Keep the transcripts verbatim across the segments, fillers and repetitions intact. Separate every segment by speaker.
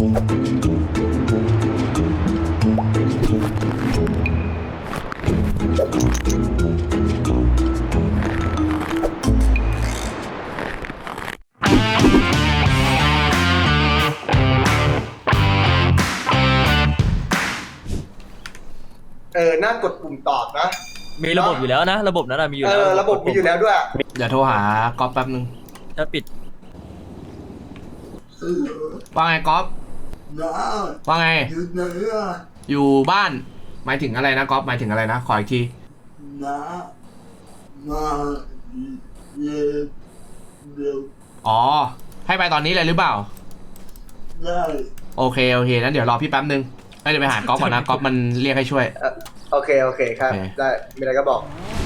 Speaker 1: เออน่ากดปุ่มตอบนะ
Speaker 2: มีระบบอยู่แล้วนะระบบนั้นมีอยู่
Speaker 1: เอ
Speaker 2: แล้ว
Speaker 1: อระบบมีอยู่แล้วด้วย
Speaker 3: เดี๋ยวโทรหาก๊อฟแป๊บนึง
Speaker 2: ถ้าปิด
Speaker 3: ว่าไงก๊อฟ
Speaker 4: น้า
Speaker 3: ว่าไง
Speaker 4: อยู่ไหนอะ
Speaker 3: อยู่บ้านหมายถึงอะไรนะก๊อฟหมายถึงอะไรนะขออีกที
Speaker 4: น้ามาเย็นเดี๋ยว
Speaker 3: อ๋อให้ไปตอนนี้เลยหรือเปล่า
Speaker 4: ได้
Speaker 3: โอเคโอเคนั้นเดี๋ยวรอพี่แป๊บนึงเอ้ยเดี๋ยวไปหาก๊อฟก่อนนะก๊อฟมันเรียกให้ช่วย
Speaker 1: เออโอเคโอเคครับ
Speaker 3: โอเค
Speaker 1: ได้มีอะไรก็บอก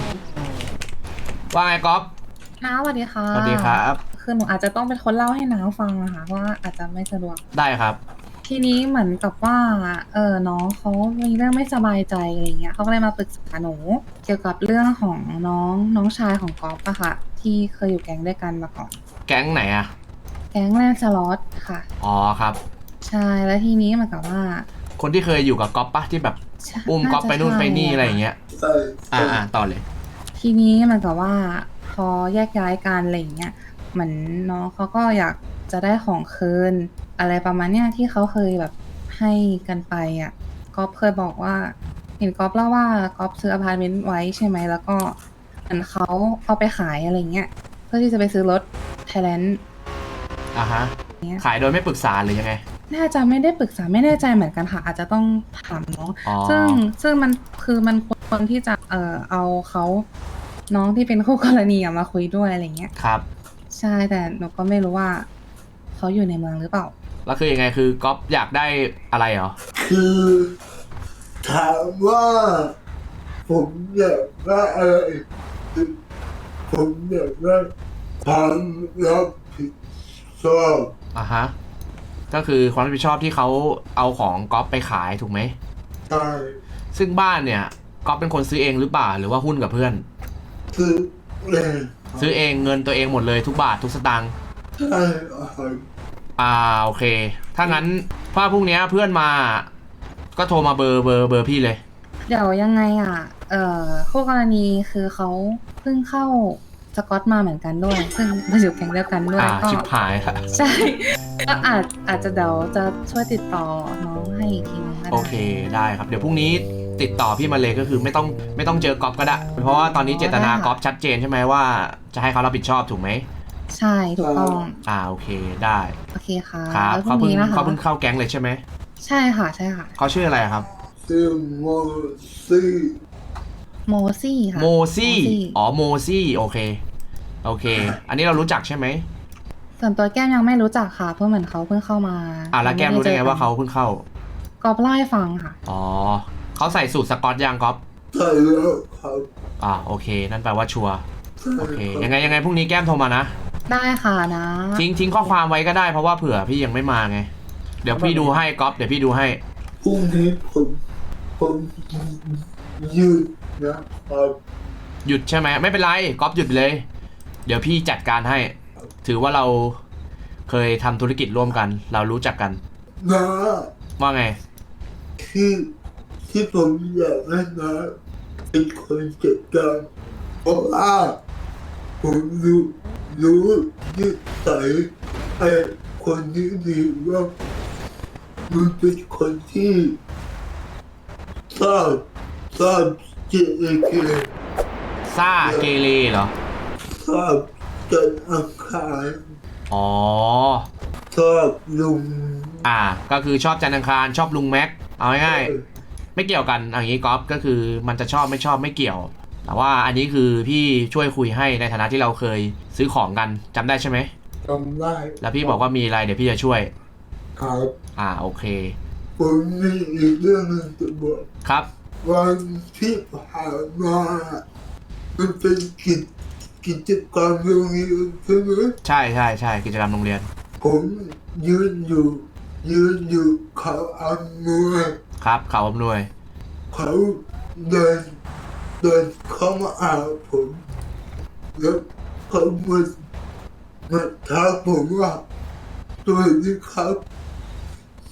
Speaker 3: ว่าไงก๊อฟ
Speaker 5: น้าสวัสดีค่ะ
Speaker 3: สวัสดีครับ
Speaker 5: คือหนูอาจจะต้องเป็นคนเล่าให้น้าฟังนะคะเพราะว่าอาจจะไม่สะดวก
Speaker 3: ได้ครับ
Speaker 5: ทีนี้เหมือนกับว่า เออน้องเขามีเรื่องไม่สบายใจอะไรเงี้ยเขาก็เลยมาปรึกษาหนู เกี่ยวกับเรื่องของน้องน้องชายของก๊อฟอะค่ะ ที่เคยอยู่แก๊งด้วยกันมาก่อน
Speaker 3: แก๊งไหนอะ
Speaker 5: แก๊งแรกสล็อตค่ะ
Speaker 3: อ๋อครับ
Speaker 5: ใช่แล้วทีนี้เหมือนกับว่า
Speaker 3: คนที่เคยอยู่กับก๊อฟปะที่แบบ
Speaker 5: ใช่
Speaker 3: อุ้มก๊อฟไปนู่นไปนี่
Speaker 5: าจ
Speaker 3: อะไรอย่างเงี้ย
Speaker 4: ใส่
Speaker 3: อ่าอ่าต่อเลย
Speaker 5: ทีนี้เหมือนกับว่า พอแยกย้ายกันอะไรเงี้ยเหมือนน้องเขาก็อยากจะได้ของคืนอะไรประมาณเนี้ยที่เขาเคยแบบให้กันไปอ่ะก๊อฟเคยบอกว่า เห็นก๊อฟเล่าว่าก๊อฟซื้ออพาร์ตเมนต์ไว้ใช่ไหมแล้วก็เหมือนเขาเอาไปขายอะไรเงี้ยเพื่อที่จะไปซื้อรถไทยแลนด์
Speaker 3: อ่าฮะ ขายโดยไม่ปรึกษาหรือยังไง
Speaker 5: น่าจะไม่ได้ปรึกษาไม่แน่ใจเหมือนกันค่ะ อาจจะต้องถามน้อง
Speaker 3: อ๋อ
Speaker 5: ซึ่งซึ่งมันคือมันควรที่จะเอ่อเอาเขาน้องที่เป็นคู่กรณีอะมาคุยด้วยอะไรเงี้ย
Speaker 3: ครับ
Speaker 5: ใช่แต่หนูก็ไม่รู้ว่าเขาอยู่ในเมืองหรือเปล่า
Speaker 3: แล้วคือยังไงคือก๊อฟอยากได้อะไรเหรอ
Speaker 4: คือถามว่า ผมอยากได้อะไรผมอยากได้ความรับผิดชอบ
Speaker 3: อ่ะฮะ ก็คือความรับผิดชอบที่เขาเอาของก๊อฟไปขายถูกไหม
Speaker 4: ใช่
Speaker 3: ซึ่งบ้านเนี่ยก๊อฟเป็นคนซื้อเองหรือเปล่าหรือว่าหุ้นกับเพื่อน
Speaker 4: คือเอง
Speaker 3: ซื้อเองเงินตัวเองหมดเลยทุกบาททุกสตางค์
Speaker 4: ใช่ครับ
Speaker 3: อ่าโอเค ถ้างั้นถ้าพรุ่งนี้เพื่อนมา ก็โทรมาเบอร์เบอร์เบอร์พี่เลย
Speaker 5: เดี๋ยวยังไงอ่ะ เอ่อคู่กรณีคือเขาเพิ่งเข้าสกอตมาเหมือนกันด้วยซึ่งมาอยู่แก๊งเดียวกันด้วย
Speaker 3: อ่า
Speaker 5: ก็
Speaker 3: ชิบหายละ
Speaker 5: ใช่ ก็อาจอาจจะเดี๋ยวจะช่วยติดต่อน้องให้อีกทีนึงก็ได้
Speaker 3: โอเคได้ครับเดี๋ยวพรุ่งนี้ติดต่อพี่มาเลยก็คือไม่ต้องไม่ต้องเจอก๊อฟก็ได้ เพราะว่าตอนนี้เจตนาก๊อฟชัดเจนใช่ไหมว่าจะให้เขารับผิดชอบถูกไหม
Speaker 5: ใช่ถูกต้อง
Speaker 3: อ่าโอเคได้
Speaker 5: โอเคค่ะ
Speaker 3: ครับ
Speaker 5: แล้วพ
Speaker 3: เขา
Speaker 5: รุ่ง
Speaker 3: เพิ่ง
Speaker 5: นี้นะคะ
Speaker 3: เขาเพิ่งเข้าแก๊งเลยใช่ไหม
Speaker 5: ใช่ค่ะใช่ค่ะ
Speaker 3: เขาชื่ออะไรครับ
Speaker 4: ซึ่งโมซี่
Speaker 5: โมซี่ค่ะ
Speaker 3: โมซี่
Speaker 5: โมซี่
Speaker 3: อ๋อโมซี่โอเคโอเค อันนี้เรารู้จักใช่ไหม
Speaker 5: ส่วนตัวแก้มยังไม่รู้จักค่ะเพราะเหมือนเขาเพิ่งเข้ามา
Speaker 3: อ่าแล้วแก้มรู้ได้ไงว่าเขาเพิ่งเข้า
Speaker 5: ก็เล่าให้ฟังค่ะ
Speaker 3: อ๋อเขาใส่สูตรสกอตยังก๊อฟ
Speaker 4: ใช่แล้วครับ
Speaker 3: อ่าโอเค นั่นแปลว่าชัวร์
Speaker 4: ใช่
Speaker 3: โอเค
Speaker 4: รับ
Speaker 3: ยังไงยังไงพรุ่งนี้แก้มโทรมานะ
Speaker 5: ได้ค่ะนะ
Speaker 3: ทิ้งทิ้งข้อความไว้ก็ได้เพราะว่าเผื่อพี่ยังไม่มาไง เดี๋ยวพี่ดูให้ก๊อฟเดี๋ยวพี่ดูให้
Speaker 4: พรุ่งนี้ผมผมยืดนะครับ
Speaker 3: หยุดใช่ไหมไม่เป็นไรก๊อฟหยุดไปเลย เดี๋ยวพี่จัดการให้ ถือว่าเราเคยทำธุรกิจร่วมกัน เรารู้จักกัน
Speaker 4: นะ
Speaker 3: ว่าไง
Speaker 4: ที่ที่ผมอยากให้นะเป็นคนจัดการเพราะว่าผมรู้รู้นิสัยไอ้คนนี้ดีว่ามันเป็นคนที่ชอบชอบเจเอเก
Speaker 3: ซ่าเกเรเหรอ
Speaker 4: ชอบจันทร์อังคาร
Speaker 3: อ๋อ
Speaker 4: ชอบลุง
Speaker 3: อ่า ก็คือชอบจันทร์อังคารชอบลุงแม็ก เอาง่ายๆไม่เกี่ยวกันอย่างนี้ก๊อฟก็คือมันจะชอบไม่ชอบไม่เกี่ยว แต่ว่าอันนี้คือพี่ช่วยคุยให้ในฐานะที่เราเคยซื้อของกันจำได้ใช่ไหม
Speaker 4: จำได้
Speaker 3: แล้วพี่บอกว่ามีอะไรเดี๋ยวพี่จะช่วย
Speaker 4: ครับ
Speaker 3: อ่าโอเค
Speaker 4: ผมมีอีกเรื่องหนึงจะบอก
Speaker 3: ครับ
Speaker 4: วันที่ผ่านมามันเป็นกิจกิจกรรมโรงเรียนใช่ไหม
Speaker 3: ใช่ใช่ใช่กิจกรรมโรงเรียน
Speaker 4: ผมยืนอยู่ยืนอยู่เขาอำนวย
Speaker 3: ครับเขาอำนวย
Speaker 4: เขาเดินเดินเข้ามาหาผมแล้วเขามามาทักผมว่าสวัสดีครับ ชื่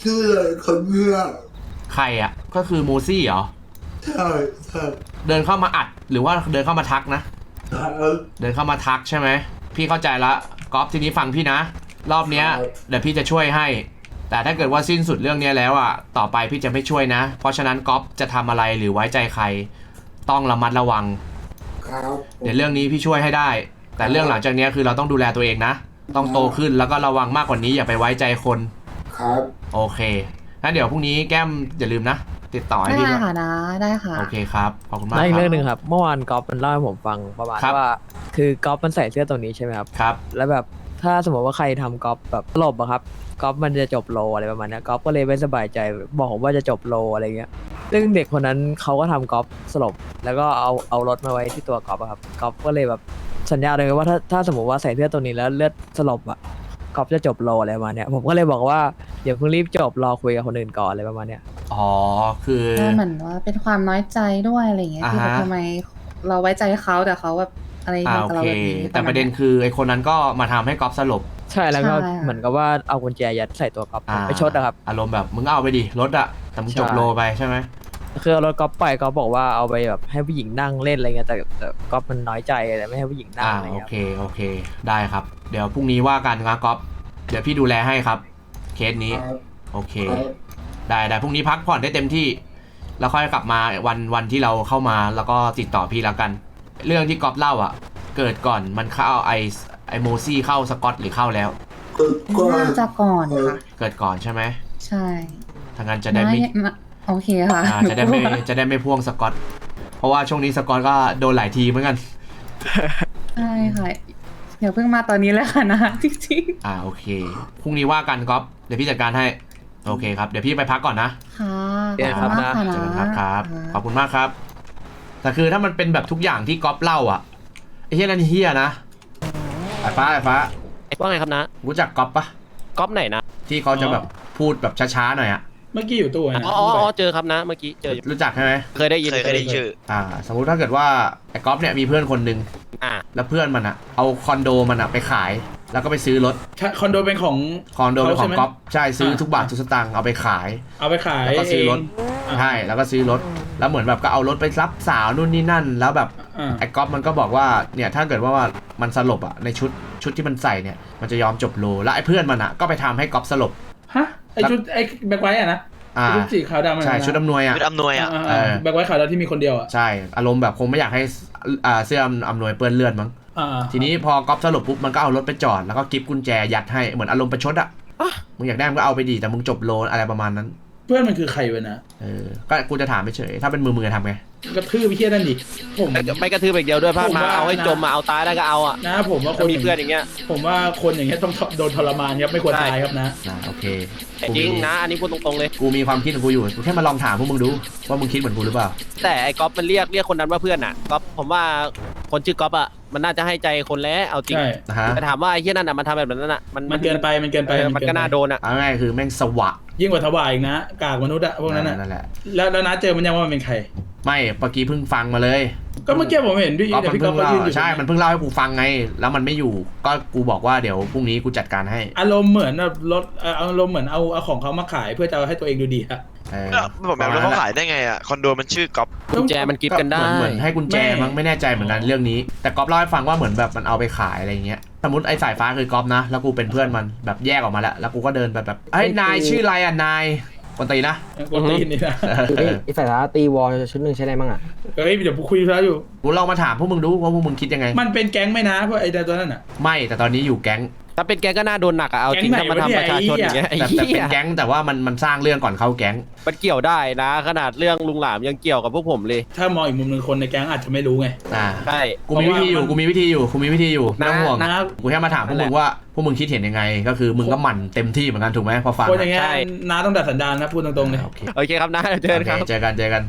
Speaker 4: ชื่ออะไรคนเนี้ย
Speaker 3: ใครอ่ะก็คือโมซี่เหรอ
Speaker 4: ใช่ใช่
Speaker 3: เดินเข้ามาอัดหรือว่าเดินเข้ามาทักนะ
Speaker 4: ครับ
Speaker 3: เดินเข้ามาทักใช่ไหมพี่เข้าใจละก๊อฟทีนี้ฟังพี่นะ รอบเนี้ยเดี๋ยวพี่จะช่วยให้ แต่ถ้าเกิดว่าสิ้นสุดเรื่องเนี้ยแล้วอ่ะต่อไปพี่จะไม่ช่วยนะ เพราะฉะนั้นก๊อฟจะทำอะไรหรือไว้ใจใคร ต้องระมัดระวัง
Speaker 4: ครับ
Speaker 3: เดี๋ยวเรื่องนี้พี่ช่วยให้ได้ แต่เรื่องหลังจากเนี้ยคือเราต้องดูแลตัวเองนะ ต้องโตขึ้นแล้วก็ระวังมากกว่านี้อย่าไปไว้ใจคน
Speaker 4: ครับ
Speaker 3: โอเคงั้นเดี๋ยวพรุ่งนี้แก้มอย่าลืมนะ ติดต่อให้
Speaker 5: ได้
Speaker 3: พี่ด้วย
Speaker 5: ค่ะนะได้ค่ะ
Speaker 3: โอเคครับขอบคุณมาก
Speaker 2: แล้วอี
Speaker 3: ค
Speaker 2: ก
Speaker 3: รั
Speaker 2: เรื่องหนึ่
Speaker 3: บ
Speaker 2: งครับ เมื่อวานก๊อฟมันเล่าให้ผมฟังประมาณ
Speaker 3: ครับ
Speaker 2: ว่า คือก๊อฟมันใส่เสื้อตัวนี้ใช่ไหมครับ
Speaker 3: ครับ
Speaker 2: แล้วแบบถ้าสมมติว่าใครทำก๊อฟแบบหลบอะครับก๊อฟมันจะจบโลอะไรประมาณเนี้ยก๊อฟก็เลยไม่สบายใจบอกผมว่าจะจบโลอะไรเงี้ยซึ่งเด็กคนนั้นเขาก็ทำก๊อฟสลบแล้วก็เอาเอารถมาไว้ที่ตัวก๊อฟอะครับก๊อฟก็เลยแบบสัญญาเลยว่าถ้าถ้าสมมติว่าใส่เสื้อตัวนี้แล้วเลือดสลบอะก๊อฟจะจบโลอะไรประมาณเนี้ยผมก็เลยบอกว่าอย่าเพิ่งรีบจบรอคุยกับคนอื่นก่อนอะไรประมาณเนี้ย
Speaker 3: อ๋อคือ
Speaker 5: ก็เหมือนว่าเป็นความน้อยใจด้วยอะไรอย่างเงี้ย
Speaker 3: อ่า
Speaker 5: ที่
Speaker 3: ฮะ
Speaker 5: ทำไมเราไว้ใจเขาแต่เขาแบบอะไร
Speaker 3: อ่า
Speaker 5: ทำ
Speaker 3: โอ
Speaker 5: กับเรา
Speaker 3: เค
Speaker 5: แบบนี้
Speaker 3: แต่ประเด็นคือไอคนนั้นก็มาทำให้ก๊อฟสลบ
Speaker 2: ใช่แล้วก็
Speaker 5: ใช่ค่ะ
Speaker 2: เหมือนกับว่าเอากุญแจยัดใส่ตัวก๊อฟ
Speaker 3: อ่า
Speaker 2: ไปชดอะครับ
Speaker 3: อารมณ์แบบมึงเอาไปดิรถอะแต่มึงจบ
Speaker 2: ใช่
Speaker 3: โลไปใช่ไหม
Speaker 2: คือเอารถก๊อฟไปก๊อฟบอกว่าเอาไปแบบให้ผู้หญิงนั่งเล่นอะไรเงี้ยแต่แต่ก๊อฟมันน้อยใจแต่ไม่ให้ผู้หญิงนั่ง
Speaker 3: อ่า
Speaker 2: อะไร
Speaker 3: โอ
Speaker 2: เงี้ย
Speaker 3: เคโอเคได้ครับ เดี๋ยวพรุ่งนี้ว่ากันนะก๊อฟเดี๋ยวพี่ดูแลให้ครับเคสนี้
Speaker 4: ครับ
Speaker 3: โอเค
Speaker 4: ครับ
Speaker 3: ได้ได้พรุ่งนี้พักผ่อนได้เต็มที่ แล้วค่อยกลับมาวันวันที่เราเข้ามาแล้วก็ติดต่อพี่แล้วกัน เรื่องที่ก๊อฟเล่าอ่ะ เกิดก่อนมันเข้าไอไอโมซี่เข้าสกอตหรือเข้าแล้ว
Speaker 4: ก็ก็
Speaker 5: น่าจะก่อนค่ะ
Speaker 3: เกิดก่อนใช่ไหม
Speaker 5: ใช่
Speaker 3: ทางนั้นจะได้ไม่
Speaker 5: นะโอเคค่ะ
Speaker 3: อ่าจะได้ไม่จะได้ไม่พ่วงสกอตเพราะว่าช่วงนี้สกอตก็โดนหลายทีเหมือนกัน
Speaker 5: ใช่ค่ะเดี๋ยวเพิ่งมาตอนนี้เลยค่ะนะจริง
Speaker 3: อ่าโอเคพรุ่งนี้ว่ากันก๊อฟเดี๋ยวพี่จัดการให้โอเคครับเดี๋ยวพี่ไปพักก่อนนะ
Speaker 5: ๆค่ะ
Speaker 2: เดี๋ยวครับ
Speaker 5: ขอบณมาก
Speaker 3: เจอกันค
Speaker 5: ค่ะ
Speaker 3: รับครับ
Speaker 5: ะ
Speaker 3: ขอบคุณมากครับ แต่คือถ้ามันเป็นแบบทุกอย่างที่ก๊อฟเล่าอ่ะไอ้เฮียนั่นเฮียนะไอ้ฟ้าไอ้ฟ้า
Speaker 6: ว่าไงครับนะ
Speaker 3: รู้จักก๊อฟปะ
Speaker 6: ก๊อปไหนนะ
Speaker 3: ที่เขาจะแบบพูดแบบช้าๆหน่อยอะ
Speaker 7: เมื่อกี้อยู่ตู้ไง
Speaker 6: อ๋ออ๋ออ๋อเจอครับนะ เมื่อกี้เจออยู่
Speaker 3: รู้จักใช่ไหม
Speaker 6: เคยได้ยิน
Speaker 8: เคยเคยได้ยินชื่อ
Speaker 3: อ่า สมมุติถ้าเกิดว่าไอ้ก๊อฟเนี่ยมีเพื่อนคนหนึ่ง
Speaker 6: อ่า
Speaker 3: แล้วเพื่อนมันอะเอาคอนโดมันอะไปขาย แล้วก็ไปซื้อรถ
Speaker 7: คอนโดเป็นของ
Speaker 3: คอนโดเป็นของ
Speaker 7: เขาใช่ไหม
Speaker 3: ก๊อฟใช่ซื้อ
Speaker 7: อ่า
Speaker 3: ทุกบาททุกสตางค์เอาไปขาย
Speaker 7: เอาไปขาย
Speaker 3: แล้วก็ซื้อรถ
Speaker 7: เอง
Speaker 3: ใช่แล้วก็ซื้อรถแล้วเหมือนแบบก็เอารถไปรับสาวนู่นนี่นั่น แล้วแบบ
Speaker 7: อ่า
Speaker 3: ไอ้ก๊อฟมันก็บอกว่าเนี่ยถ้าเกิดว่ามันสลบอะในชุดชุดที่มันใส่เนี่ยมันจะยอมจบโลแล้วไอ้เพื่อนมันอะก็ไปทำให้ก๊อฟสลบ
Speaker 7: ฮะไอชุดไอแบ็คไวท์อะนะ
Speaker 3: อ่า
Speaker 7: ชุดสีขาวดำอะนะ
Speaker 3: ใช่ชุดอำนวยอะ
Speaker 8: ชุดอำนวยอ่ะ
Speaker 7: อ่า
Speaker 3: เออ
Speaker 7: ๆแบ็คไวท์ขาวดำที่มีคนเดียวอะ
Speaker 3: ใช่อารมณ์แบบคงไม่อยากให้อ่าเสื้ออำนวยเปื้อนเลือดมั้ง
Speaker 7: อ่า
Speaker 3: ทีนี้พอก๊อฟสลบปุ๊บมันก็เอารถไปจอดแล้วก็กิฟกุญแจยัดให้เหมือนอารมณ์ประชดอะมึงอยากได้มึงก็เอาไปดีแต่มึงจบโลอะไรประมาณนั้น
Speaker 7: เพื่อนมันคือใครวะนะ
Speaker 3: เออก็กูจะถามเฉยๆถ้าเป็นมือมึงจะทำไง
Speaker 7: กระทืบไปเที่ยนั่นดิผม
Speaker 6: ไม่กระทืบอย่างเดียวด้วยภาค
Speaker 7: ผม
Speaker 6: มา
Speaker 7: ว่า
Speaker 6: เอาให้
Speaker 7: นะ
Speaker 6: จมมาเอาตายได้ก็เอาอ่ะ
Speaker 7: นะผมว่าค
Speaker 6: ถ้าน มีเพื่อนอย่างเงี้ย
Speaker 7: ผมว่าคนอย่างเงี้ยต้องโดนทรมานครับไม่ควร
Speaker 6: ใช่
Speaker 7: ตายครับนะ
Speaker 3: นะโอเค
Speaker 6: แต่จริงนะ อันนี้พูดตรงๆเลย
Speaker 3: กูมีความคิดของกูอยู่กูแค่มาลองถามพวกมึงดูว่ามึงคิดเหมือนกูหรือเปล่า
Speaker 6: แต่ไอ้ก๊อฟมันเรียกเรียกคนนั้นว่าเพื่อนอ่ะก๊อฟผมว่าคนชื่อก๊อฟอ่ะมันน่าจะให้ใจคนแล้วเอาจริง
Speaker 7: ใช่
Speaker 3: นะฮะ
Speaker 6: แต่ถามว่าไอ้เหี้ยนั่นอ่ะมันทำแบบนั้นอ่ะมัน
Speaker 7: มันเกินไปมันเกินไป
Speaker 6: เออมันก็น่าโดนอ่ะ
Speaker 3: เอาง่ายๆคือแม่งสวะ
Speaker 7: ยิ่งกว่าทวายอีกนะ กากมนุษย์อะพวกนั้นอะ
Speaker 3: นั่นแหละ
Speaker 7: แล้วแล้วนะเจอมันยังว่ามันเป็นใคร
Speaker 3: ไม่เมื่อกี้เพิ่งฟังมาเลย
Speaker 7: ก็เมื่อกี้ผมเห็นพี่
Speaker 3: ก็
Speaker 7: แต่
Speaker 3: มัน
Speaker 7: พี่ก๊อ
Speaker 3: เพิ่
Speaker 7: ฟ
Speaker 3: ง
Speaker 7: ก็
Speaker 3: เล่า
Speaker 7: ยืนอยู่
Speaker 3: ใช่มันเพิ่งเล่าให้กูฟังไง แล้วมันไม่อยู่ก็กูบอกว่าเดี๋ยวพรุ่งนี้กูจัดการให้
Speaker 7: อารมณ์เหมือนแบบรถเอ่ออารมณ์เหมือนเอาเอาของเขามาขายเพื่อจะเอาให้ตัวเองดูดีอะ
Speaker 3: เออ
Speaker 8: ก็ผมแบบแล้วเขาขายได้ไงอ่ะ คอนโดมันชื่อก๊อป
Speaker 6: กุญแจมันกิฟต์กันได้
Speaker 3: เหมือนเหมือนให้กุญแจมั้งไม่แน่ใจเหมือนกันเรื่องนี้ แต่ก๊อฟเล่าให้ฟังว่าเหมือนแบบมันเอาไปขายอะไรเงี้ยสมมติไอ้สายฟ้าคือก๊อฟนะแล้วกูเป็นเพื่อนมันแบบแยกออกมาแล้วแล้วกูก็เดินไปแบบเฮ้ยนายชื่ออะไรอ่ะนายคนตีนะ
Speaker 7: กวนตีนนี่นะ
Speaker 3: เออ
Speaker 9: ไอ้สายฟ้าตีวอลชุดหนึ่งใช้ได้มั้งอ่ะ
Speaker 7: เฮ้ยเดี๋ยวคุยแล้วอยู่
Speaker 3: กูลองมาถามพวกมึงดูว่าพวกมึงคิดยังไง
Speaker 7: มันเป็นแก๊งไหมนะพวกไอ้ตัวนั้นอ่ะ
Speaker 3: ไม่แต่ตอนนี้อยู่แก๊ง
Speaker 6: ถ้าเป็นแกก็น่าโดนหนักอ่ะเอาจริง
Speaker 7: แก๊
Speaker 6: ถ้าง
Speaker 7: ไหน
Speaker 6: มาทำ
Speaker 7: วะ
Speaker 6: ประชาชนอย่างเงี้ยไอ้
Speaker 3: แต่แต่
Speaker 6: เหี้
Speaker 3: เป็
Speaker 6: ย
Speaker 3: นแก๊งแต่ว่ามันมันสร้างเรื่องก่อนเข้าแก๊ง
Speaker 6: มันเกี่ยวได้นะ ขนาดเรื่องลุงหลามยังเกี่ยวกับพวกผมเลย
Speaker 7: ถ้ามองอีกมุมหนึ่งคนในแก๊งอาจจะไม่รู้ไง
Speaker 3: อ่า
Speaker 6: ใช่
Speaker 3: กูมีวิธีอยู่กูมีวิธีอยู่กูมีวิธีอยู่ไม่ต้องห่วง
Speaker 7: นะ
Speaker 3: กูแค่มาถามพวกมึงว่าพวกมึงคิดเห็นยังไง ก็คือมึงก็หมั่นเต็มที่เหมือนกันถูกไหมพอฟัง
Speaker 7: คนอย่างเงี้ย
Speaker 6: ใช่
Speaker 7: น้าต้องดัดสันดานนะพูดตรงๆเลย
Speaker 3: โอเค
Speaker 6: โอเคครับนะเจอกันครับ
Speaker 3: โอเคเจอกันเจอกัน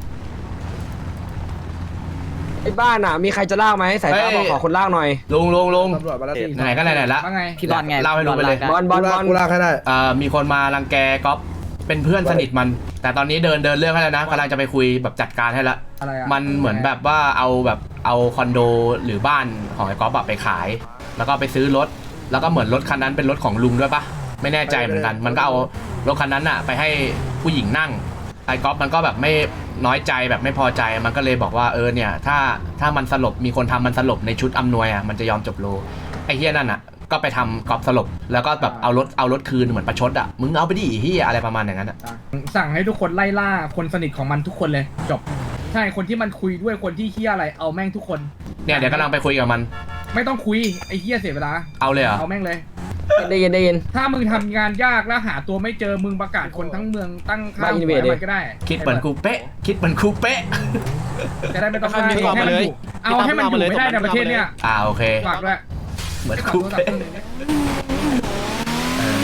Speaker 9: ไอ้บ้านอ่ะ มีใครจะลากไหมสายฟ้า
Speaker 3: เฮ้ย
Speaker 9: บอกขอคนลากหน่อย
Speaker 3: ลุงลุงลุง
Speaker 10: ตำรวจมาแล้วพี่
Speaker 3: ไหนๆก็ไหนๆละ
Speaker 10: ว่าไง
Speaker 9: พี่บอลไง
Speaker 3: เล่าให้ลุงไปเลย
Speaker 9: บอลบอลบอล
Speaker 10: กูลากให้ได้
Speaker 3: เอ่อมีคนมารังแกก๊อฟเป็นเพื่อนสนิทมัน แต่ตอนนี้เดินเดินเรื่องให้แล้วนะกำลังจะไปคุยแบบจัดการให้ละ
Speaker 10: อะไรอ่ะ
Speaker 3: มันเหมือนแบบว่าเอาแบบเอาคอนโดหรือบ้านของไอ้ก๊อฟอะไปขาย แล้วก็ไปซื้อรถ แล้วก็เหมือนรถคันนั้นเป็นรถของลุงด้วยปะไม่แน่ใจเหมือนกัน มันก็เอารถคันนั้นอะไปให้ผู้หญิงนั่งไอ้ก๊อฟมันก็แบบไม่น้อยใจแบบไม่พอใจมันก็เลยบอกว่าเออเนี่ยถ้าถ้ามันสลบมีคนทำมันสลบในชุดอำนวยอะมันจะยอมจบโลไอ้เฮียนั่นอะก็ไปทำก๊อฟสลบแล้วก็แบบเอารถเอารถคืนเหมือนประชดอะมึงเอาไปดิเฮียอะไรประมาณอย่างนั้นอะ
Speaker 7: สั่งให้ทุกคนไล่ล่าคนสนิทของมันทุกคนเลยจบใช่คนที่มันคุยด้วยคนที่เฮี้ยอะไรเอาแม่งทุกคน
Speaker 3: เนี่ยเดี๋ยวกำลังไปคุยกับมัน
Speaker 7: ไม่ต้องคุยไอ้เฮี้ยเสียเวลา
Speaker 3: เอาเลยเหรอ
Speaker 7: เอาแม่งเลย
Speaker 9: ได้ยินได้ยิน
Speaker 7: ถ้ามึงทำงานยากแล้วหาตัวไม่เจอมึงประกาศคนทั้งเมืองตั้งค่า
Speaker 9: บ้า
Speaker 7: หั
Speaker 9: อิน
Speaker 7: ว
Speaker 9: เวด
Speaker 7: ให้มันก็ได้
Speaker 3: คิดเหมือนกูเป๊ะคิดเหมือนกูเป๊ะ
Speaker 7: จะได้ไม่ต้อง
Speaker 6: เอามีความ
Speaker 7: ให้
Speaker 6: มาเลย
Speaker 7: อยู่เอาให้มันอยู่ไม่ได้ในประเทศเนี้ย
Speaker 3: อ่าโอเค
Speaker 7: ฝากด้วย
Speaker 3: เหมือน
Speaker 7: ไอ้
Speaker 3: กู
Speaker 7: โทรศัพ
Speaker 3: เป๊ะ
Speaker 7: ท์เครื่องหนึ่งเนี่ย
Speaker 3: เออ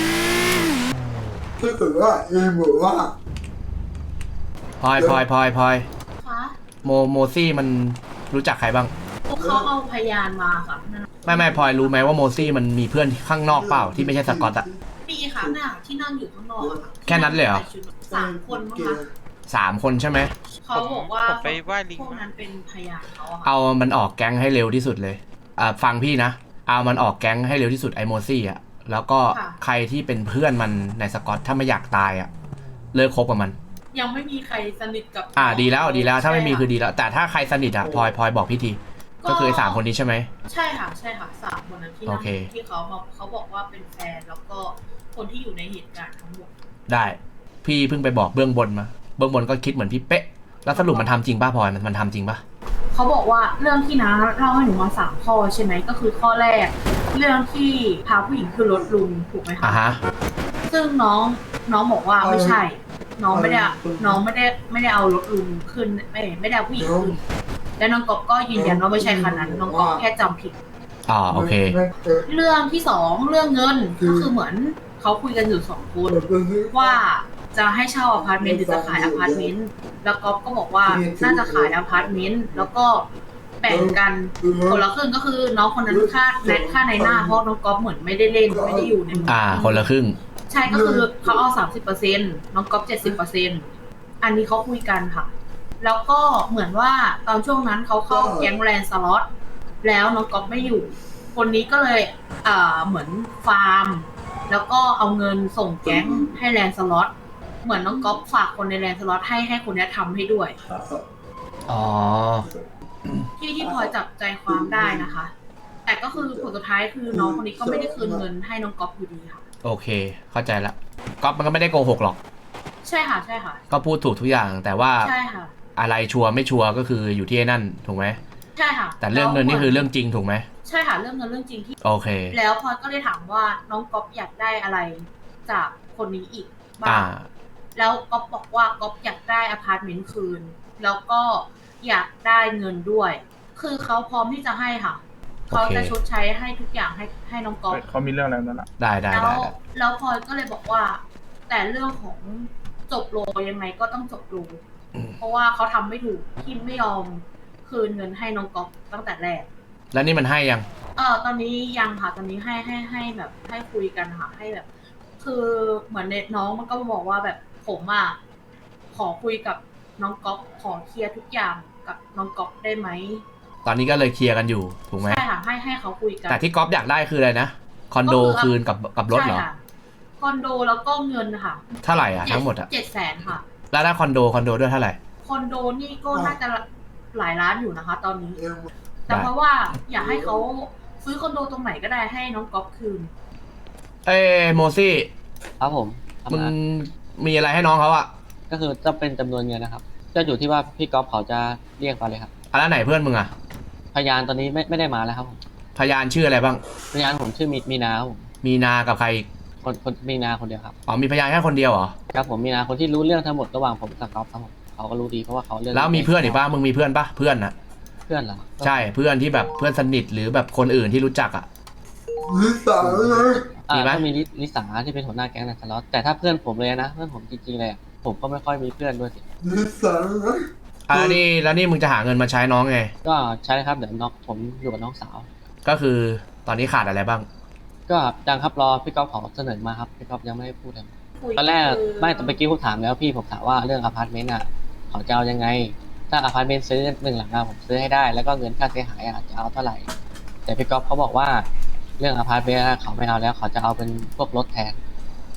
Speaker 4: ถ้าเกิดว่าเองบอกว่า
Speaker 3: พลอยพลอยพลอยพลอย
Speaker 10: คะ
Speaker 3: โมโมซี่มันรู้จักใครบ้าง
Speaker 10: พวกเขาเอาพยานมาค่ะนั่น
Speaker 3: ไม่ไม่พลอยรู้ไหมว่าโมซี่มันมีเพื่อนข้างนอกเปล่าที่ไม่ใช่สกอตอะ
Speaker 10: มีค่ะน่ะที่นั่งอยู่ข้างนอกอะค่ะ
Speaker 3: แค่นั้นเลยเหรอ
Speaker 10: สามคนมั้งคะ
Speaker 3: สามคนใช่ไหม
Speaker 10: เขาบอกว่า
Speaker 8: ผมไปไหว้ลิง
Speaker 10: พวกนั้นเป็นพยานเขาอะค่ะ
Speaker 3: เอามันออกแก๊งให้เร็วที่สุดเลยอ่าฟังพี่นะเอามันออกแก๊งให้เร็วที่สุดไอโมซี่อะแล้วก็ใครที่เป็นเพื่อนมันในสกอตถ้าไม่อยากตายอะเลิกคบกับมัน
Speaker 10: ยังไม่มีใครสนิทกับ
Speaker 3: อ่าดีแล้วดีแล้วถ้าไม่มีคือ
Speaker 10: ใช่ะ
Speaker 3: ดีแล้ว แต่ถ้าใครสนิทอะพลอยพลอยบอกพี่ทีก็คือไอ้สามคนนี้ใช่ไหม
Speaker 10: ใช่ค่ะใช่ค่ะสามคนนั้นที่
Speaker 3: โอ
Speaker 10: นั่ง
Speaker 3: เค
Speaker 10: ที่เขามาเขาบอกว่าเป็นแฟนแล้วก็คนที่อยู่ในเหตุการณ์ทั้งหมด
Speaker 3: ได้พี่เพิ่งไปบอกเบื้องบนมาเบื้องบนก็คิดเหมือนพี่เป๊ะแล้วสรุปมันทำจริงป่ะพลอยมันมันทำจริงป่ะ
Speaker 10: เขาบอกว่าเรื่องที่น้าเล่าให้หนูมาสามข้อใช่ไหมก็คือข้อแรก เรื่องที่พาผู้หญิงขึ้นรถลุงถูกไหมคะ
Speaker 3: อ่ะฮะ
Speaker 10: ซึ่งน้องน้องบอกว่าไม่ใช่ น้องไม่ได้น้องไม่ได้ไม่ได้เอารถลุงขึ้นไม่ไม่ได้เอาผู้หญิงขึ้นและน้องก๊อฟก็ยืนยันว่าไม่ใช่คันนั้นน้องก๊อฟแค่จำผิด
Speaker 3: อ๋อโอเค
Speaker 10: เรื่องที่สองเรื่องเงินก็คือเหมือนเขาคุยกันอยู่สองคนว่าจะให้เช่าอพาร์ตเมนต์หรือจะขายอพาร์ตเมนต์แล้วก๊อฟก็บอกว่าน่าจะขายอพาร์ตเมนต์แล้วก็แบ่งกันคนละครึ่งก็คือน้องคนนั้นค่าแนทค่าในหน้าเพราะน้องก๊อฟเหมือนไม่ได้เล่นไม่ได้อยู่ใน
Speaker 3: อ่าคนละครึ่ง
Speaker 10: ใช่ก็คือเขาเอาสามสิบเปอร์เซ็นต์น้องก๊อฟเจ็ดสิบเปอร์เซ็นต์อันนี้เขาคุยกันค่ะ แล้วก็เหมือนว่าตอนช่วงนั้นเขาเข้าแก๊งแลนด์สล็อตแล้วน้องก๊อฟไม่อยู่ คนนี้ก็เลยอ่าเหมือนฟาร์ม แล้วก็เอาเงินส่งแก๊งให้แลนด์สล็อตเหมือนน้องก๊อฟฝากคนในแลนด์สล็อตให้ให้คนนี้ทำให้ด้วย
Speaker 3: อ๋อ
Speaker 10: ที่ที่พอจับใจความได้นะคะ แต่ก็คือผลสุดท้ายคือน้องคนนี้ก็ไม่ได้คืนเงินให้น้องก๊อฟอยู่ดีค่ะ
Speaker 3: โอเค เข้าใจละก๊อฟมันก็ไม่ได้โกหกหรอก
Speaker 10: ใช่ค่ะใช่ค่ะ
Speaker 3: ก็พูดถูกทุกอย่าง แต่ว่า
Speaker 10: ใช่ค่ะ
Speaker 3: อะไรชัวร์ไม่ชัวร์ก็คืออยู่ที่ไอ้นั่นถูกไหม
Speaker 10: ใช่ค่ะ
Speaker 3: แต่เรื่องเงินนี่คือเรื่องจริงถูกไหม
Speaker 10: ใช่ค่ะเรื่องเงินเรื่องจริงที่
Speaker 3: โอเค
Speaker 10: แล้วพลอยก็เลยถามว่าน้องก๊อฟอยากได้อะไรจากคนนี้อีกบ้า
Speaker 3: อ่า
Speaker 10: งแล้วก๊อฟบอกว่าก๊อฟอยากได้อพาร์ตเมนต์คืน แล้วก็อยากได้เงินด้วย คือเขาพร้อมที่จะให้ค่ะ
Speaker 3: โอเค
Speaker 10: เขาจะชดใช้ให้ทุกอย่างให้ให้น้องก๊อฟ
Speaker 7: เขามีเรื่องอะไรนั่นแหละ
Speaker 3: ได้ได้
Speaker 10: แล้ว
Speaker 3: ได้ได้
Speaker 10: แล้วพลอยก็เลยบอกว่า แต่เรื่องของจบโลยังไงก็ต้องจบโลเพราะว่าเขาทำไม่ถูกที่ไม่ยอมคืนเงินให้น้องก๊อฟตั้งแต่แรก
Speaker 3: แล้วนี่มันให้ยัง
Speaker 10: เออตอนนี้ยังค่ะ ตอนนี้ให้ให้ให้แบบให้คุยกันค่ะให้แบบ คือเหมือนเน็ตน้องมันก็บอกว่าแบบผมอ่ะขอคุยกับน้องก๊อฟขอเคลียร์ทุกอย่างกับน้องก๊อฟได้ไหม
Speaker 3: ตอนนี้ก็เลยเคลียร์กันอยู่ถูกไหม
Speaker 10: ใช่ค่ะให้ให้เขาคุยกัน
Speaker 3: แต่ที่ก๊อฟอยากได้คืออะไรนะคอนโด
Speaker 10: ก็คือ
Speaker 3: คืนกับกับรถเหรอ
Speaker 10: ใช่ค่ะคอนโดแล้วก็เงินค่ะ
Speaker 3: เท่าไหร่อ่ะทั้งหมดอ่ะ
Speaker 10: เจ็ดแสนค่ะ
Speaker 3: แล้วถ้าคอนโดคอนโดด้วยเท่าไหร่
Speaker 10: คอนโดนี่ก็น่าจะหลายล้านอยู่นะคะ ตอนนี้ แต่เพราะว่าอยากให้เขาซื้อคอนโดตรงไหนก็ได้ให้น้องก๊อฟคืน
Speaker 3: เอ้ยโมซี่
Speaker 9: ครับผม
Speaker 3: มึงมีอะไรให้น้องเขาอ่ะ
Speaker 9: ก็คือจะเป็นจำนวนเงินนะครับจะอยู่ที่ว่าพี่ก๊อฟเขาจะเรียกไปเลยครับ
Speaker 3: อ่ะแล้วไหนเพื่อนมึงอ่ะ
Speaker 9: พยานตอนนี้ไม่ไม่ได้มาแล้วครับผม
Speaker 3: พยานชื่ออะไรบ้าง
Speaker 9: พยานผมชื่อมีมีนาครับผม
Speaker 3: มีนากับใครอีก
Speaker 9: คนคนมีนาคนเดียวครับ
Speaker 3: อ๋อมีพยานแค่คนเดียวเหรอ
Speaker 9: ครับผมมีนาคนที่รู้เรื่องทั้งหมดระหว่างผมกับก๊อฟครับผมเขาก็รู้ดีเพราะว่าเขาเรื่อง
Speaker 3: แล้วมีเพื่อนอีกป่ะมึงมีเพื่อนป่ะเพื่อนน่ะ
Speaker 9: เพื่อนเหรอ
Speaker 3: ใช่เพื่อนที่แบบเพื่อนสนิทหรือแบบคนอื่นที่รู้จักอ่ะ
Speaker 4: นิสัยเลย
Speaker 9: อ่า
Speaker 3: มีไหม
Speaker 9: ก็มีลิลิสาที่เป็นหัวหน้าแก๊งนันทะเลาะแต่ถ้าเพื่อนผมเลยนะเพื่อนผมจริงๆเลยอะผมก็ไม่ค่อยมีเพื่อนด้วยสิ
Speaker 4: นิสัยเลย
Speaker 3: อ่ะแล้วนี่แล้วนี่มึงจะหาเงินมาใช้น้องไง
Speaker 9: ก็ใช่ครับเดี๋ยวน้องผมอยู่กับน้องสาว
Speaker 3: ก็คือตอนนี้ขาดอะไรบ้าง
Speaker 9: ก็ยังครับรอพี่ก๊อฟเขาเสนอมาครับพี่ก๊อฟยังไม่ได้พูดเลย
Speaker 10: คุย
Speaker 9: ตอนแรก
Speaker 10: คือ
Speaker 9: ไม่ตอนเมื่อกี้ผมถามแล้วพี่ผมถามว่าเรื่องอพาร์ตเมนต์อ่ะเขาจะเอายังไง ถ้าอพาร์ตเมนต์ซื้อหนึ่งหลังอะผมซื้อให้ได้แล้วก็เงินค่าเสียหายอะจะเอาเท่าไหร่ แต่พี่ก๊อฟเขาบอกว่าเรื่องอพาร์ตเมนต์อะเขาไม่เอาแล้วเขาจะเอาเป็นพวกรถแทน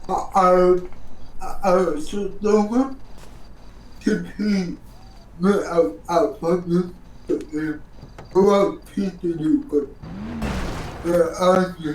Speaker 4: เอาเอาสุดตรงครับที่พี่ไม่เอาเอาพักนี้ตัวเองเพราะว่าพี่จะอยู่กับแต่อาเนี่ย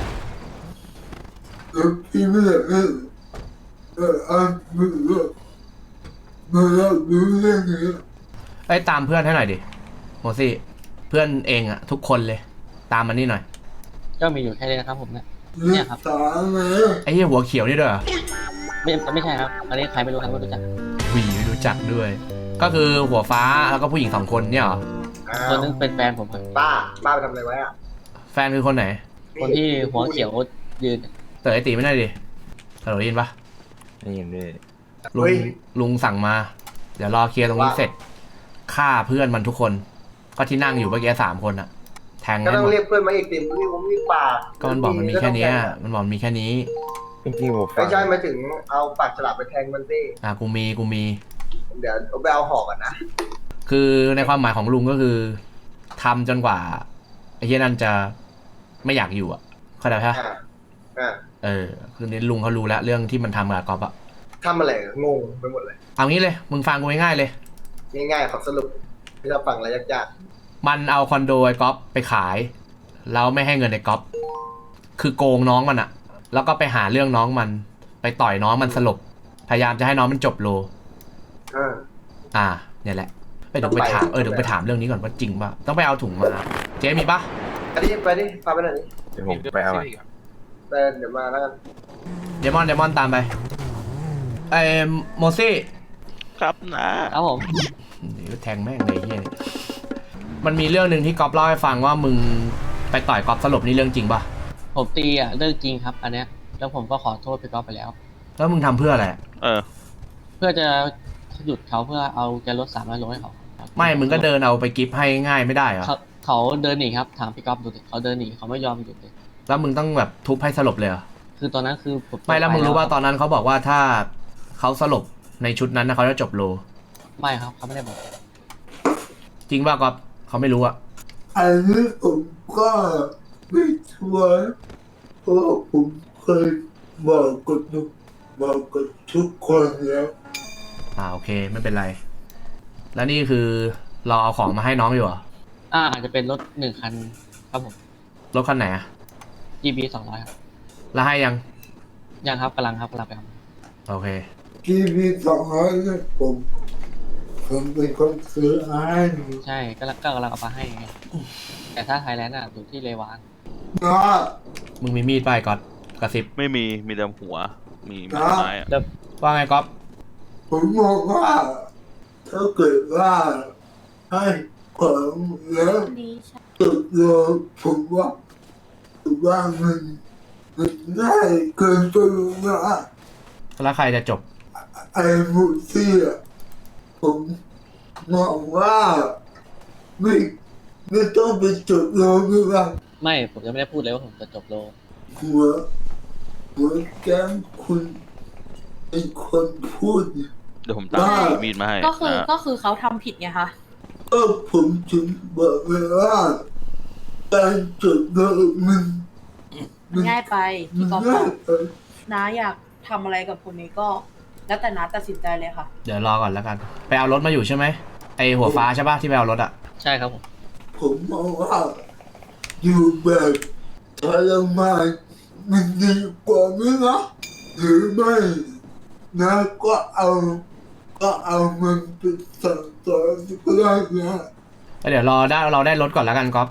Speaker 4: แล้วพี่ไม่อยากให้แต่อาไม่รู้ไม่รับรู้เรื่องนี้
Speaker 3: ไอ้ยตามเพื่อนให้หน่อยดิโมซี่เพื่อนเองอะทุกคนเลยตามมันนี่หน่อย
Speaker 9: ก็มีอยู่แค่นี้นะครับผมเนี่ย
Speaker 4: เรื่
Speaker 9: เนี่
Speaker 4: อย ง
Speaker 9: ครับ
Speaker 4: สารเลย
Speaker 3: ไอ้เหี้ยหัวเขียวนี่ด้วยเหรอ
Speaker 9: ไม่ไม่ใช่ครับอันนี้ใครไม่รู้ครับไม่รู้จัก
Speaker 3: หวีไม่รู้จักด้วย ก็คือหัวฟ้าแล้วก็ผู้หญิงสองคนเนี่ยเหรอ
Speaker 1: อ้า
Speaker 9: ตัว วนึงเป็นแฟนผมครับ
Speaker 1: ป้าป้าไปทำอะไรไว้อะ
Speaker 3: แฟนคือคนไหน
Speaker 9: คนที่หัวเขียวยืน
Speaker 3: เต๋อไอตีไม่ได้ดิฮัลโหลได้ยินปะ
Speaker 11: ได้ยินด้วย
Speaker 3: ลุง
Speaker 1: เฮ้ย
Speaker 3: ลุงสั่งมา เดี๋ยวรอเคลียร์ตรงนี้เสร็จฆ่าเพื่อนมันทุกคน ก็ที่นั่งอยู่เมื่อกี้สามคนอะแทง
Speaker 1: ก็
Speaker 3: ให้
Speaker 1: ต้อ
Speaker 3: หม
Speaker 1: ง
Speaker 3: ด
Speaker 1: เรียกเพื่อนมาอีกติมนี่ผมมีปาก
Speaker 3: ก็มันบอกมันมีแค่เนี้ยมันบอกมันมีแค่นี้
Speaker 11: จริงๆผมฟั
Speaker 1: ไม่
Speaker 11: ง
Speaker 1: ใช่มาถึงเอาปากฉลามไปแทงมันสิ
Speaker 3: อ่ะกูมีกูมี
Speaker 1: เดี๋ยวเอาไปเอาหอกก่อนนะ
Speaker 3: คือในความหมายของลุงก็คือทำจนกว่าไอ้เหี้ยนั่นจะไม่อยากอยู่อ่ะเข้าใจปะ
Speaker 1: อ่าอ่า
Speaker 3: เออคือนี้ลุงเขารู้แล้วเรื่องที่มันทำกับกอล์ฟอะ
Speaker 1: ทำอะไรงงไปหมดเลย
Speaker 3: เอางี้เลยมึงฟังกูง่ายๆเลย
Speaker 1: ง่ายๆขอสรุปที่เราฟังอะไรยาก
Speaker 3: มันเอาคอนโดไอ้ก๊อฟไปขายแล้วไม่ให้เงินไอ้ก๊อฟคือโกงน้องมันอะแล้วก็ไปหาเรื่องน้องมัน ไปต่อยน้องมันสลบพยายามจะให้น้องมันจบโล
Speaker 1: ๆอ่า
Speaker 3: อ่าเนี่ยแหละเอ้ยเดี๋ยวไปถามเออเดี๋ยวไปถามเรื่องนี้ก่อนว่าจริงป่ะต้องไปเอาถุงมาเจ๊มีปะ
Speaker 1: อันนี้ไปดิพาไปหน่อยดิ
Speaker 11: เดี๋ยวผมไปเอาอะ
Speaker 1: ไปเดี๋ยวมาแล้วกัน
Speaker 3: เดมอนเดมอนตามไปไอ้โมซี่
Speaker 8: ครับนะครับ
Speaker 9: ผม
Speaker 3: เดี๋ยวแทงแม่งเลยเฮียนี่มันมีเรื่องหนึ่งที่ก๊อฟเล่าให้ฟังว่ามึงไปต่อยก๊อฟสลบนี่เรื่องจริงป่ะ
Speaker 9: ผมตีอ่ะเรื่องจริงครับ อันเนี้ยแล้วผมก็ขอโทษพี่ก๊อฟไปแล้ว
Speaker 3: แล้วมึงทำเพื่ออะไร
Speaker 8: เออ
Speaker 9: เพื่อจะหยุดเขาเพื่อเอาแกรถสามร้อยโลให้เขา
Speaker 3: ไม่มึงก็เดินเอาไปกิฟต์ให้ง่ายไม่ได้เหรอ
Speaker 9: เขาเขาเดินหนีครับถามพี่ก๊อฟดูดิเขาเดินหนีเขาไม่ยอมหยุดเลย
Speaker 3: แล้วมึงต้องแบบทุบให้สลบเลยเหรอ
Speaker 9: คือตอนนั้นคือผม
Speaker 3: ไม่แล้วมึงรู้ว่าตอนนั้นเขาบอกว่าถ้าเขาสลบในชุดนั้นนะเขาจะจบโล
Speaker 9: ไม่ครับเขาไม่ได้บอก
Speaker 3: จริงป่ะก๊อฟเขาไม่รู้อะ
Speaker 4: อันนี้ผมก็ไม่ชัวร์เพราะว่าผมเคยบอกกับทุกบอกกับทุกคนแล้ว
Speaker 3: อ่าโอเคไม่เป็นไร แล้วนี่คือเราเอาของมาให้น้องอยู่เหรอ
Speaker 9: อ่าอาจจะเป็นรถหนึ่งคันครับผม
Speaker 3: รถคันไหนอะ
Speaker 9: จี บี สองร้อยครับ
Speaker 3: แล้วให้ยัง
Speaker 9: ยังครับกำลังครับกำลังไปครับ
Speaker 3: โอเค
Speaker 4: ทีวีสองร้อยเนี่ยผมผมเป็นคนซื้อให้
Speaker 9: ใช่กำลังก็กำลังเอามาให้ไงแต่ถ้าไทยแลนด์อ่ะอยู่ที่เลวาน
Speaker 4: นะ
Speaker 3: มึงมีมีดไปก๊อตกระซิบ
Speaker 8: ไม่มี มีแต่หัว มีมีไม้อะ
Speaker 9: แล้ว
Speaker 3: ว่าไงก๊อฟ
Speaker 4: ผมบอกว่าถ้าเกิดว่าให้ของแล้ว
Speaker 10: ดีใช่
Speaker 4: ตกลงผมว่าผมว่ามันมันง่ายเกินไปนะ
Speaker 3: แล้วใครจะจบ
Speaker 4: ไอ้บุซี่อ่ะผมมองว่าไม่ไม่ต้องไปจดลงด้วยว่า
Speaker 9: ไม่ผมจะไม่ได้พูดเลยว่าผมจะจบโล
Speaker 4: หัวหัวแก้มคุณเป็นคนพูดเนี่ย
Speaker 8: เดี๋ยวผมตาม
Speaker 4: ได้
Speaker 8: มีดมาให้
Speaker 10: ก็คือ
Speaker 8: นะ
Speaker 10: ก็คือเขาทำผิดไงคะ
Speaker 4: ก็ผมถึงบอกเลยว่าการจดลงมันมัน
Speaker 10: ง่ายไป
Speaker 4: มั
Speaker 10: พี่
Speaker 4: น
Speaker 10: ก๊อฟบ
Speaker 4: ง่า
Speaker 10: อย ก
Speaker 4: ไป
Speaker 10: น้าอยากทำอะไรกับคนนี้ก็ แล้วแต่น้าตัดสินใจเลยค่ะ
Speaker 3: เดี๋ยวรอก่อนแล้วกัน ไปเอารถมาอยู่ใช่ไหมไอหัวฟ้าใช่ปะที่ไปเอารถอะ
Speaker 9: ใช่ครับผม
Speaker 4: ผมมองว่าอยู่แบบทรมานมันดีกว่าไหมนะหรือไม่นะก็เอาก็เอามันไปสั่งสอนก็ได้นะ
Speaker 3: แล้วเดี๋ยวรอได้เราได้รถก่อนแล้วกันก๊อฟ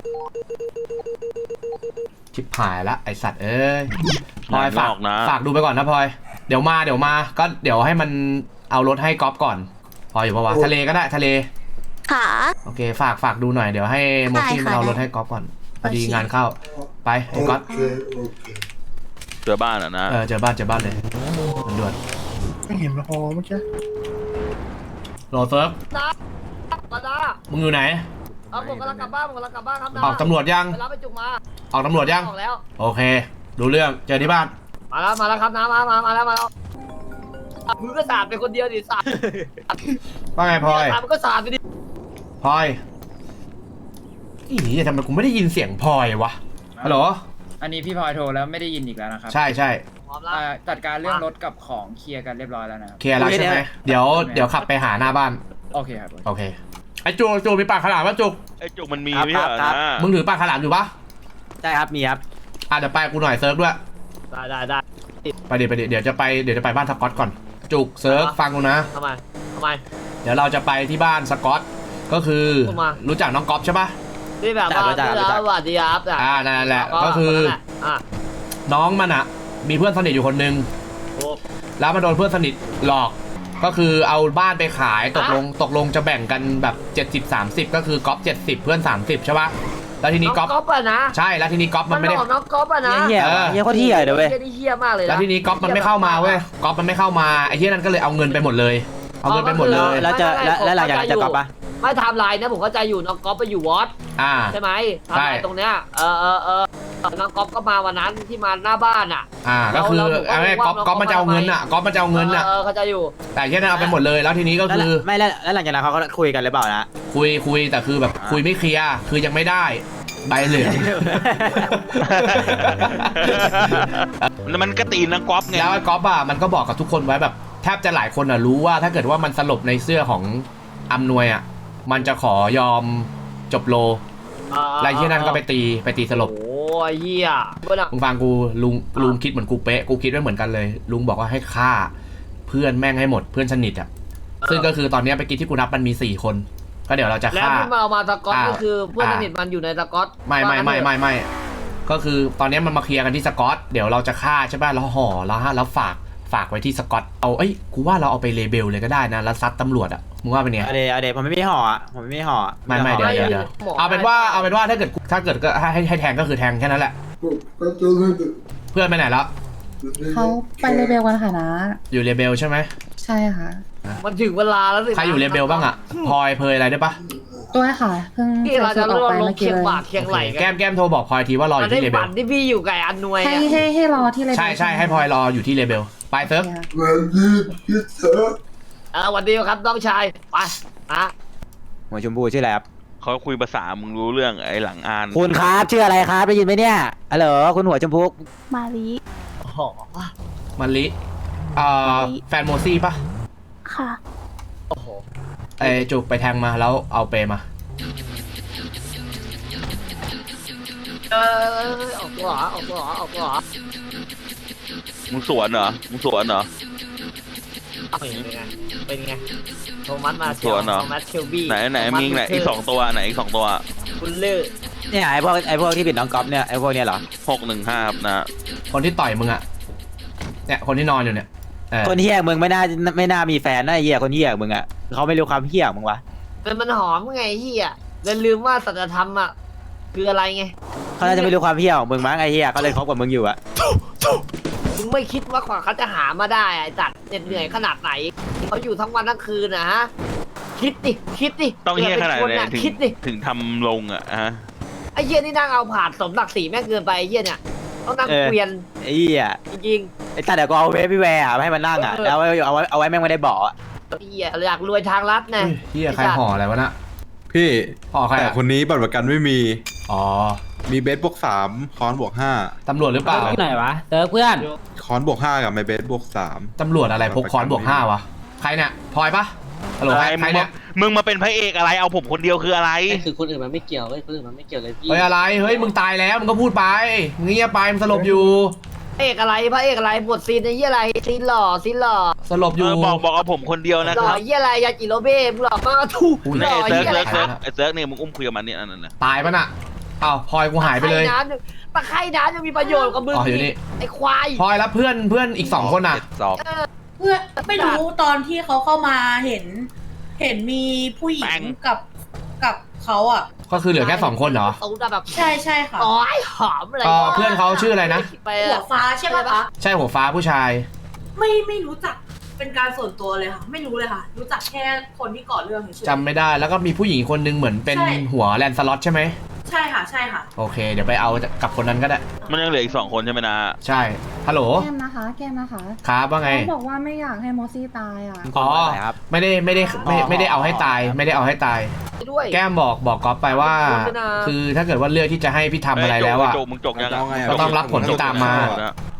Speaker 3: ชิบหายละไอสัตว์เอ้ยพลอยฝาก
Speaker 8: งอกนะ
Speaker 3: ฝากดูไปก่อนนะพลอยเดี๋ยวมาเดี๋ยวมาก็เดี๋ยวให้มันเอารถให้ก๊อฟก่อนพลอยอยู่ปะวะทะเลก็ได้ทะเล
Speaker 10: ค่ะ
Speaker 3: โอเคฝากฝากดูหน่อยเดี๋ยวให้โมกี้
Speaker 10: ได้
Speaker 3: มัน
Speaker 10: ค่ะ
Speaker 3: เอารถให้ก๊อฟก่อนพอดี
Speaker 10: โอเค
Speaker 3: งานเข้าไปไอ้ก๊อฟ
Speaker 4: โอเคโอเค
Speaker 8: เจอบ้านอ่ะนะ
Speaker 3: เออเจอบ้านเจอบ้านเลยด่วน
Speaker 4: ไม่เห็นพอเมื่อกี้
Speaker 3: ๆรอเซิร์ฟ
Speaker 7: มาดา
Speaker 3: มึงอยู่ไหน
Speaker 7: เอาผมกำลังกลับบ้านผมกำลังกลับบ้านครับดา
Speaker 3: ออกตำรวจยัง
Speaker 7: ไปรับไปจุกมา
Speaker 3: ออกตำรวจยัง
Speaker 7: ออกแล้ว
Speaker 3: โอเค ดูเรื่องเจอที่บ้าน
Speaker 7: มาแล้วมาแล้วครับน้ามามามาแล้วมาแล้วมึงก็สาดไปคนเดียวดิสาด
Speaker 3: ว่าไงพลอย
Speaker 7: สาดมึงก็สาดไปดิ
Speaker 3: พลอยอีนี่ทำไมกูไม่ได้ยินเสียงพลอยวะฮัลโหล
Speaker 12: อันนี้พี่พลอยโทรแล้วไม่ได้ยินอีกแล้วนะครับ
Speaker 3: ใช่ใช่
Speaker 6: พร้อมแล้ว
Speaker 7: เอ่อจัดการเรื่องรถกับของเคลียร์กันเรียบร้อยแล้วนะครับ
Speaker 3: เคลียร์แล้วใช่ไหมเดี๋ยวเดี๋ยวขับไปหาหน้าบ้าน
Speaker 7: โอเคครับ
Speaker 3: โอเคไอ้จุกจุกมีปากขลามป่ะจุก
Speaker 8: ไอ้จุกมันมีไม่ใช่เหรอนะ
Speaker 3: มึงถือปากขลามอยู่ปะ
Speaker 6: ใช่ครับมีครับ
Speaker 3: อ่ะเดี๋ยวไปกูหน่อยเซิร์ฟด้วย
Speaker 6: ได้ได้ได้
Speaker 3: ไปเดี๋ยวไปเดี๋ยวเดี๋ยวจะไปเดี๋ยวจะไปบ้านสกอตก่อนจุกเซิร์ฟฟังกูนะ
Speaker 6: ทำไมทำไม
Speaker 3: เดี๋ยวเราจะไปที่บ้านสกอตก็คือ
Speaker 6: ผมมา
Speaker 3: รู้จักน้องก๊อฟใช่ปะ
Speaker 6: ที่แบบว่าที่แล้วสวัสดีครับ
Speaker 3: อ่านั่นแหละก็คือ
Speaker 6: อ่ะ
Speaker 3: น้องมันอะมีเพื่อนสนิทอยู่คนนึง
Speaker 6: ถูก
Speaker 3: แล้วมาโดนเพื่อนสนิทหลอก ก็คือเอาบ้านไปขายตกลงตกลงจะแบ่งกันแบบเจ็ดสิบ สามสิบก็คือก๊อฟเจ็ดสิบเพื่อนสามสิบใช่ปะแล้วทีนี้ก๊อฟ
Speaker 6: น้องก๊อฟอะนะ
Speaker 3: ใช่แล้วทีนี้ก๊อฟมันไม่ได้
Speaker 6: หลอกน้องก๊อฟอะนะ
Speaker 3: เหี้ยเหี้ยโคตรเหี้ยเดี๋ยวเว้ย
Speaker 6: เหี้ยนี่เหี้ยมากเลยนะ
Speaker 3: แล้วทีนี้ก๊อฟมันไม่เข้ามาเว้ยก๊อฟมันไม่เข้ามาไอ้เหี้ยนั่นก็เลยเอาเงินไปหมดเลยเอาเงินไปหมดเลย
Speaker 6: แล้วจะแล้วหลังจากนั้นจะก๊อฟปะไม่ไทม์ไลน์นะผมเข้าใจอยู่น้องก๊อฟไปอยู่วอต
Speaker 3: อ่า
Speaker 6: ใช่ไหมไทม์ไลน์ตรงเนี้ยเออเออเออน้องก๊อฟก็มาวันนั้นที่มาหน้าบ้านอ่ะ
Speaker 3: อ่าก็คือเอาไงก๊อฟก๊อฟมันจะเอาเงินอ่ะก๊อฟมันจะเอาเงินอ่ะ
Speaker 6: เออเข้าใจอยู่
Speaker 3: แต่เหี้ยนั่นเอาไปหมดเลยแล้วทีนี้ก็คือ
Speaker 12: ไม่แล้วแล้วหลังจากนั้นเขาก็คุยกันหรือเปล่านะ
Speaker 3: คุยคุยแต่คือแบบคุยไม่เคลียร์คือยังไม่ได้ใบเหลือง
Speaker 8: มันก็ตีนนะก๊อฟไง
Speaker 3: แล้วไอ้ก๊อฟอ่ะมันก็บอกกับทุกคนไว้แบบแทบจะหลายคนอ่ะรู้ว่าถ้าเกิดว่ามันสลบในเสื้อของอำนวยอ่ะมันจะขอยอมจบโลแล้วไอ้เหี้ยนั่นก็ไปตีไปตีสลบ
Speaker 6: โอ้ยเหี้ย
Speaker 3: มึงฟังกูลุงลุงคิดเหมือนกูเป๊ะกูคิดไว้เหมือนกันเลย ลุงบอกว่าให้ฆ่าเพื่อนแม่งให้หมดเพื่อนสนิทอ่ะซึ่งก็คือตอนนี้ไปกินที่กูนับมันมีสี่คนก็เดี๋ยวเราจะ
Speaker 6: แล้ว
Speaker 3: ฆ่า
Speaker 6: ที่มาเอามาสกอต
Speaker 3: อ่า
Speaker 6: ก็คือเพื่อนสนิทมันอยู่ในสกอต
Speaker 3: ไม่ไม่ไม่ไม่ไม่ก็คือตอนนี้มันมาเคลียร์กันที่สกอตเดี๋ยวเราจะฆ่าใช่ป่ะแล้วห่อแล้วฮะแล้วฝากฝากไว้ที่สกอตเอาเอ้ยกูว่าเราเอาไปเลเบลเลยก็ได้นะแล้วซัดตำรวจอ่ะมึงว่าเป็นไง
Speaker 12: เอาเดเอาเดผมไม่มีห่ออ่ะผมไม่มีห่อ
Speaker 3: ไม่ไม่เดี๋ยวเดี๋ยวเดี๋ยวเอาเป็นว่าเอาเป็นว่าถ้าเกิดถ้าเกิดก็ให้ให้แทงก็คือแทงแค่นั้นแหละ
Speaker 4: ผมก็จะเล่น
Speaker 3: เพื่อนไปไหนแล้ว
Speaker 5: เขาไปเลเบลกันค่ะนะ
Speaker 3: อยู่เลเบลใช่ไหม
Speaker 5: ใช่ค่ะ
Speaker 6: มันถึงเวลาแล้วสิ
Speaker 3: ใครอยู่เลเบลบ้างอ่ะพลอยเพยอะไรได้ปะ
Speaker 5: ตัวค่ะเพิ่ง
Speaker 6: ที่เรา
Speaker 5: ใส่
Speaker 6: จะ
Speaker 5: ชุดอ
Speaker 6: ร
Speaker 5: อก
Speaker 6: ว
Speaker 5: ไป
Speaker 6: ลง
Speaker 5: เมื่อกี้
Speaker 6: เคียง
Speaker 5: เลย
Speaker 6: บ่าเคียงไหล
Speaker 3: แก้มแก้มโทรบอกพลอยทีว่ารออ
Speaker 6: มัน
Speaker 3: ยู่
Speaker 6: ได้
Speaker 3: ที่เลเบ
Speaker 6: ฝั
Speaker 3: ล
Speaker 6: นที่พี่อยู่กับอันนวย
Speaker 5: ให้
Speaker 6: อะ
Speaker 5: ให้ให้รอที่เลเบล
Speaker 3: ใช่ใช่ให้พลอยรออยู่ที่เลเบลไปเซิร์ฟ
Speaker 4: วันนี้พิเศษ
Speaker 6: เออวันเดียวครับน้องชายไปอ่ะ
Speaker 12: หัวชมพูชื่ออะไรครับ
Speaker 8: เขาคุยภาษามึงรู้เรื่องไอ้หลังอ่าน
Speaker 12: คุณครับชื่ออะไรครับได้ยินไหมเนี่ยฮัลโหลคุณหัวชมพู
Speaker 13: มาลี
Speaker 6: โอ้โห
Speaker 3: มันลิเอ่อแฟนโมซี่ปะ
Speaker 13: ค่ะ
Speaker 6: โอ้โห
Speaker 3: ไอจุกไปแทงมาแล้วเอาเปมา
Speaker 6: เออออกตัวเหรอออกตัวเหรอออกตัวเหรอ
Speaker 8: มึงสวนเหรอมึงสวนเหรอ
Speaker 6: เป็นไงเป็นไงโทมัสมา
Speaker 8: สวนเหรอ
Speaker 6: โทมัสเชลบี้
Speaker 8: ไหนไหนมีไหนอีกสองตัวไหนอีกสองตัว
Speaker 6: คุณเลือ
Speaker 12: เนี่ยไอพวกไอพวกที่ปิดน้องก๊อฟเนี่ยไอพวกเนี้ยเหรอ
Speaker 8: หกหนึ่งห้าครับนะ
Speaker 3: คนที่ต่อยมึงอ่ะเนี่ยคนที่นอนอยู่เนี่ยเออ
Speaker 12: คนเฮี้ยมึงไม่น่าไม่น่ามีแฟนนะไอ้เฮี้ยคนเฮี้ยมึงอ่ะเขาไม่รู้ความเฮี้ยมึงวะ
Speaker 6: เป็นมันหอมไงเฮียแล้วลืมว่าสัจธรรมอ่ะคืออะไรไง
Speaker 12: เขาน่าจะไม่รู้ความเฮี้ยของมึงมั้งไอ้เฮี้ยเขาเลยคบกับมึงอยู่อะ
Speaker 6: มึงไม่คิดว่ากว่าเขาจะหามาได้ไอ้จัดเหน็ดเหนื่อยขนาดไหนเขาอยู่ทั้งวันทั้งคืนนะฮะคิดดิคิดดิ
Speaker 8: ต้องเฮี้ยขนาดไหน
Speaker 6: ผื่อเป็ค
Speaker 8: ถึง
Speaker 6: คิดดิ
Speaker 8: ถึงทำลงอ่ะฮะ
Speaker 6: ไอ้เฮียนี่นั่งเอาผ่านสมศักดิ์ศรีแม่งเกินไปไอ้เฮียเนี่ยต้องนั่งเกวียน
Speaker 12: ไอ้เฮี้ย
Speaker 6: จริง
Speaker 12: ไอ้ตาเดี๋ยวกูเอาเวฟพี่แวร์ให้มันนั่งอ่ะแล้วเอาไว้เอาไว้เอาไว้แม่งไม่ได้เบาะ
Speaker 6: ๆไอ้เฮียอยากรวยทางลัดไง
Speaker 3: เฮียใครห่ออะไรวะน่ะ
Speaker 11: พี่
Speaker 3: ห่อใคร
Speaker 11: แต่
Speaker 3: อะ
Speaker 11: คนนี้บัตรประกันไม่มี
Speaker 3: อ๋อ
Speaker 11: มีเบสบวกสามคอนบวกห้า
Speaker 3: ตำรวจหรือเปล่า
Speaker 12: ที่ไหนวะเจอเพื่อน
Speaker 11: คอนบวกห้ากับไมเบสบวกสาม
Speaker 3: ตำรวจอะไรพกค้อนบวกห้าวะใครเนี่ยพลอยปะฮัลโหลใคร
Speaker 8: ไอ้
Speaker 3: ใค
Speaker 8: มึ
Speaker 3: รง เนี่
Speaker 8: มาย มึงมาเป็นพระเอกอะไรเอาผมคนเดียวคืออะไร
Speaker 9: คือคนอื่นมันไม่เกี่ยวเว้ยคนอื่นมันไม่เกี่ยวเลยพี่
Speaker 3: เฮ้ยอะไรเฮ้ยมึงตายแล้วมึงก็พูดไปมึงเงียบไปมึงสลบอยู่
Speaker 6: พระเอกอะไรพระเอกอะไรบทซีนไอ้เฮียอะไรซีนหล่อซีนหล่อ
Speaker 3: สลบอยู่
Speaker 8: เออบอกบอกเอาผมคนเดียวนะ
Speaker 6: ห
Speaker 8: ค
Speaker 6: ล่อ
Speaker 8: รับ
Speaker 6: เฮียอะไรยาจิโรเบ้มึงหล่อมากทุก
Speaker 3: อุ้ย
Speaker 6: หล่อ
Speaker 8: ไอ้เซิ
Speaker 6: เฮี
Speaker 8: ร์ก
Speaker 6: ยอะไร
Speaker 8: เซิร์ก
Speaker 6: ค
Speaker 8: เซิร์ก
Speaker 6: รับ
Speaker 8: ไอ้เซิร์กนี่มึงอุ้มคุยกับมันนี่อันนั้นนะ
Speaker 3: ตายปะน่ะอ้าวพลอยกูหายไปเลย
Speaker 6: ตะไคร่น้ำตะไคร่น้ำยังมีประโยชน์กับมึง
Speaker 3: อ๋ออยู่นี่
Speaker 6: ไอ้ควาย
Speaker 3: พลอยแล้วเพื่อนเพื่อนอีกสองคนน่ะ
Speaker 8: สอง
Speaker 10: เพื่อนไม่รู้ตอนที่เขาเข้ามาเห็น เห็นมีผู้หญิงกับกับเขาอ่ะ
Speaker 3: ก็คือเหลือแค่สองคนเหรอ
Speaker 6: ตูดแบบ
Speaker 10: ใช่ใช่ค่ะ
Speaker 6: อ๋อยหอมอะไร
Speaker 3: ก็เพื่อนเขาชื่ออะไรนะ
Speaker 6: ไป
Speaker 10: หัวฟ้าใช่ไหมคะ
Speaker 3: ใช่หัวฟ้าผู้ชาย
Speaker 10: ไม่ไม่รู้จักเป็นการส่วนตัวเลยค่ะ ไม่รู้เลยค่ะ รู้จักแค่คนที่ก่อเรื่องเฉยๆ
Speaker 3: จำไม่ได้แล้วก็มีผู้หญิงคนนึงเหมือนเป็น
Speaker 10: ใช่
Speaker 3: หัวแลนสล็อตใช่ไหม
Speaker 10: ใช่ค่ะใช่ค่ะ
Speaker 3: โอเคเดี๋ยวไปเอากับคนนั้นก็ได้
Speaker 8: มันยังเหลืออีกสองคนใช่ไหมนะ
Speaker 3: ใช่ฮัลโหล
Speaker 5: แก้มนะคะแก้มนะคะ
Speaker 3: ครับว่าไง
Speaker 5: เขาบอกว่าไม่อยากให้โมซี่ตายอ่ะ
Speaker 3: อ๋อไม่ได้ไม่ได้ไม่ไม่ได้เอาให้ตาย ไม่ได้เอาให้ตาย
Speaker 6: ด้วย
Speaker 3: แก้มบอกบอกก๊อฟไปว่า คือถ้าเกิดว่าเลือกที่จะให้พี่ทำอะไรแล้วอ่ะ
Speaker 8: จกมึงจกยัง
Speaker 11: เอาไง
Speaker 3: ก็ต้องรับผลที่ตามมา